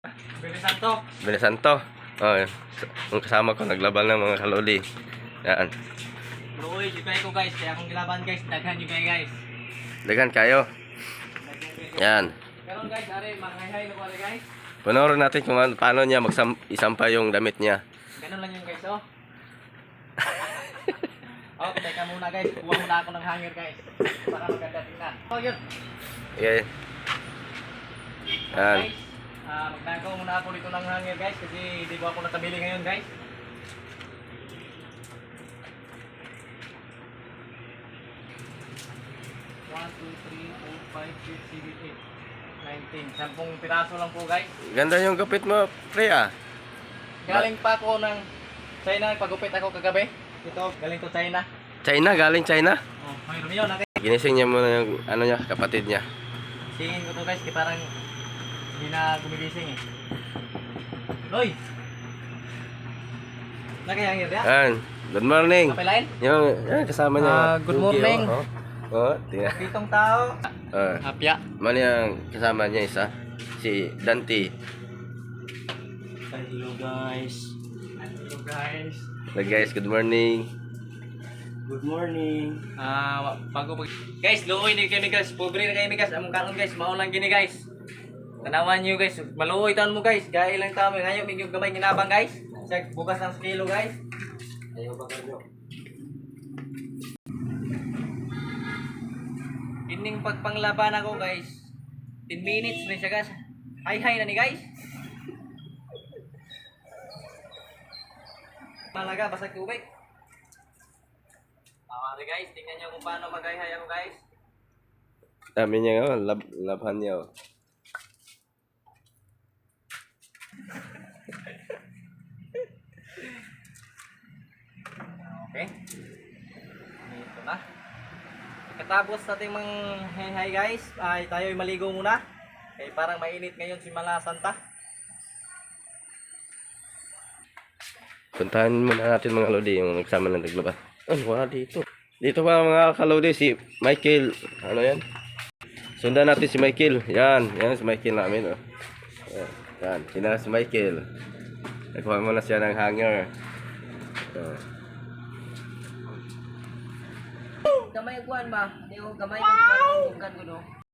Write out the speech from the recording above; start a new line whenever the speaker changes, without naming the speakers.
Billy Santo.
Billy Santo. Oh, yung kasama ko naglaban ng mga kaluli. Yan.
Bro, uy, kayo ko guys. Kaya akong gilaban guys. Daghan yung kayo guys.
Dagan kayo. Yan.
Pero guys, are, manghay-hay na ko guys.
Panoorin natin kung paano niya isampa yung damit niya.
Ganun lang yung guys, oh. Oh, teka muna guys. Kuha muna ako ng hanger guys. Para maganda tingnan. Oh, yun.
Okay. Yan.
Guys, magnagaw muna ako dito ng hanger guys. Kasi di ba ako nakabili ngayon guys. One, two, three, four, five, six, seven, eight, 19. 10 piraso lang po guys.
Ganda yung gupit mo, pre ah.
Galing pa ako ng China. Pagupit ako kagabi. Ito, galing to China.
China, galing China.
Oh, may lumiyon natin.
Ginising niya muna yung ano niya, kapatid niya.
Singin ko to guys, di parang hindi na gumigising eh. Loy! Nakayangir ya?
Yan. Good morning.
Kapilain?
Yan, kasama niya.
Good
Cookie,
morning.
Tingnan.
Pitong tao. Hapya.
Man yung kasama niya isa. Si Dante.
Hello guys. Hello guys.
Hello guys, good morning.
Good morning. Guys, luoy ni kami guys. Pobre na kami guys. Among karon guys, mao lang gini guys. Tanawan niyo guys. Maluoy taon mo guys. Gaya lang taon mo. Ngayon medyo gamay ginabang guys. Check bukas ng kilo guys. Ayaw ba kayo? Ining pagpanglaban ako guys. 10 minutes na siya guys. Hi na ni guys. Malaga basag tubig. Tama guys, tingnan niyo kung paano mag-hi-hi ako guys.
Dami niya, labhan niya.
Okay. Ito na. Katapos natin mang hi-hi guys, ay tayo maligo muna. Kaya parang mainit ngayon si Mala Santa.
Puntahan muna natin mga lodi yung nagsama ng naglaba. Wala dito. Dito pa mga kalodi si Michael. Ano yan? Sundan natin si Michael. Yan si Michael namin. Oh. Yan, sina si Michael. Nagkuha muna siya ng hanger.
Gamay kuan ba? Di ko gamay kuan ko no.